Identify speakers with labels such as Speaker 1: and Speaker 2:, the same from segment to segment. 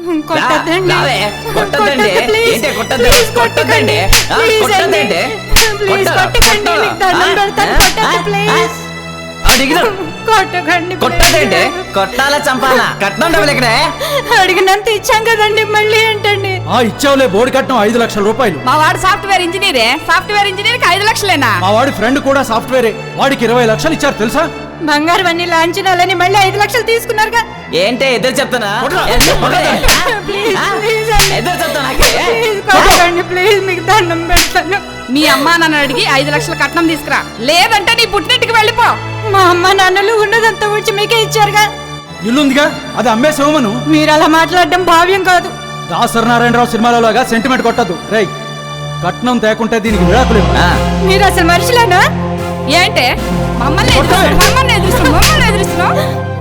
Speaker 1: కొట్టద్దండి
Speaker 2: కొట్టాలా చంపాలా? కట్నం డబ్బులు ఎక్కడే?
Speaker 1: అడిగినంత ఇచ్చాం కదండి, మళ్ళీ ఏంటండి?
Speaker 3: ఇచ్చావులే, బోర్డు కట్నం 5 లక్షల రూపాయలు.
Speaker 4: మా వాడు సాఫ్ట్వేర్ ఇంజనీరే, సాఫ్ట్వేర్ ఇంజనీర్ కి 5 లక్షలేనా?
Speaker 3: మా వాడి ఫ్రెండ్ కూడా సాఫ్ట్వేరే, వాడికి 20 లక్షలు ఇచ్చారు తెలుసా?
Speaker 1: బంగారు అన్ని లాంఛనాలని మళ్ళీ 5 లక్షలు తీసుకున్నారుగా.
Speaker 2: ఏంటే ఎదురు చెప్తానా?
Speaker 1: ప్లీజ్ మీకు దండం పెడతాను.
Speaker 4: మీ అమ్మా నాన్న అడిగి 5 లక్షల కట్నం తీసుకురా, లేదంటే నీ పుట్టింటికి వెళ్ళిపో.
Speaker 1: మా అమ్మ నాన్నలు ఉన్నదంతా వచ్చి మీకే ఇచ్చారుగా.
Speaker 3: ఇల్లుందిగా, అది అమ్మేసేవమను.
Speaker 1: మీరు అలా మాట్లాడడం భావ్యం కాదు.
Speaker 3: దాసరి నారాయణరావు సినిమాలలోగా సెంటిమెంట్ కొట్టద్దు. రై, కట్నం తేకుంటే దీనికి విడాకులు.
Speaker 1: మీరు అసలు మనుషులేనా?
Speaker 4: ఏంటే మమ్మల్ని ఎదురుస్తున్నావు?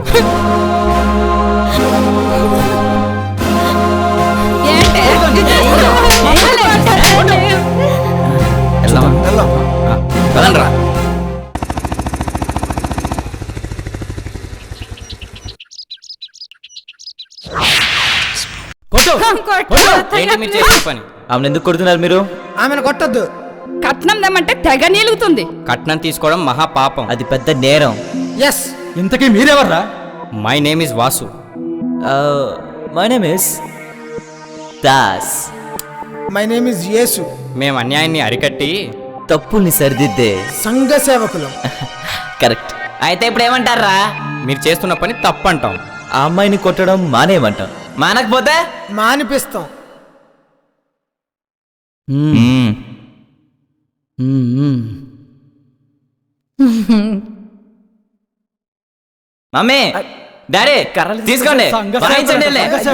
Speaker 4: ఏంటే
Speaker 2: వెళ్ళండ్రా. ఆమెను ఎందుకు కొడుతున్నారు మీరు?
Speaker 5: ఆమెను కొట్టద్దు.
Speaker 4: కట్నం దమ్మంటే తెగ నీలుగుతుంది.
Speaker 6: కట్నం తీసుకోవడం మహా పాపం,
Speaker 2: అది పెద్ద నేరం.
Speaker 5: ఎస్.
Speaker 3: ఇంతకీ మీరెవర్రా?
Speaker 6: My name is Vasu.
Speaker 2: My name is Das.
Speaker 5: My name is Yesu.
Speaker 6: మేము అన్యాయాన్ని అరికట్టి
Speaker 2: తప్పుల్ని సరిదిద్దే
Speaker 5: సంఘ సేవకులం.
Speaker 2: కరెక్ట్. అయితే ఇప్పుడు ఏమంటారా?
Speaker 6: మీరు చేస్తున్న పని తప్పంటాం.
Speaker 2: ఆ అమ్మాయిని కొట్టడం మానేయమంటాం. మానకపోతే
Speaker 5: మానిపిస్తాం.
Speaker 2: మమ్మీ, డాడీ తీసుకోండి, వాయించండి.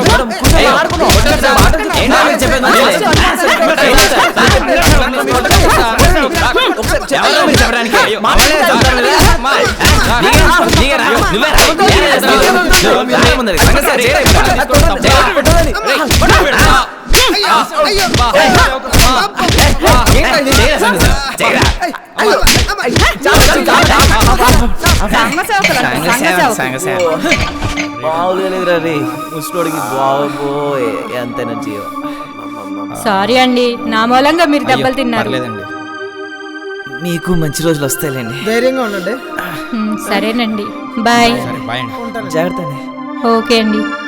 Speaker 1: సారీ అండి, నా మూలంగా మీరు దెబ్బలు తిన్నారు.
Speaker 2: మీకు మంచి రోజులు వస్తాయిలేండి.
Speaker 5: ధైర్యంగా ఉండండి.
Speaker 1: సరేనండి, బాయ్.
Speaker 6: బాయ్ అండి.
Speaker 2: జాగ్రత్త.
Speaker 1: ఓకే అండి.